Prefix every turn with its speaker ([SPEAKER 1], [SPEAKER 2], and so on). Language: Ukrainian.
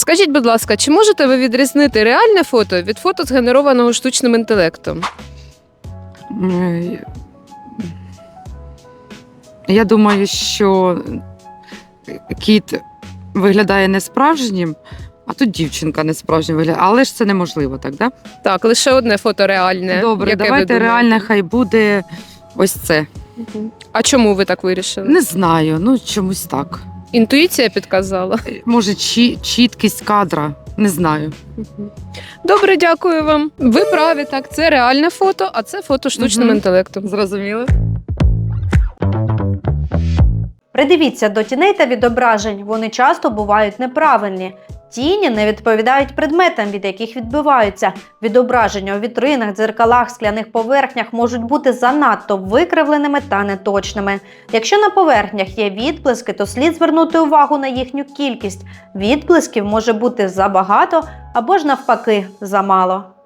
[SPEAKER 1] Скажіть, будь ласка, чи можете ви відрізнити реальне фото від фото, згенерованого штучним інтелектом?
[SPEAKER 2] Е, Я думаю, що кіт виглядає несправжнім, а тут дівчинка несправжня виглядає. Але ж це неможливо, так, да?
[SPEAKER 1] Так, лише одне фото реальне.
[SPEAKER 2] Добре,
[SPEAKER 1] яке ви
[SPEAKER 2] давайте
[SPEAKER 1] думаєте?
[SPEAKER 2] реальне хай буде ось це.
[SPEAKER 1] А чому ви так вирішили?
[SPEAKER 2] Не знаю, ну чомусь так.
[SPEAKER 1] Інтуїція підказала.
[SPEAKER 2] Може, чіткість кадра, не знаю.
[SPEAKER 1] Добре, дякую вам. Ви праві, так, це реальне фото, а це фото штучним
[SPEAKER 2] Мгм.
[SPEAKER 1] інтелектом.
[SPEAKER 2] Зрозуміло?
[SPEAKER 3] Придивіться до тіней та відображень, вони часто бувають неправильні. Тіні не відповідають предметам, від яких відбиваються. Відображення у вітринах, дзеркалах, скляних поверхнях можуть бути занадто викривленими та неточними. Якщо на поверхнях є відблиски, то слід звернути увагу на їхню кількість. Відблисків може бути забагато або ж навпаки замало.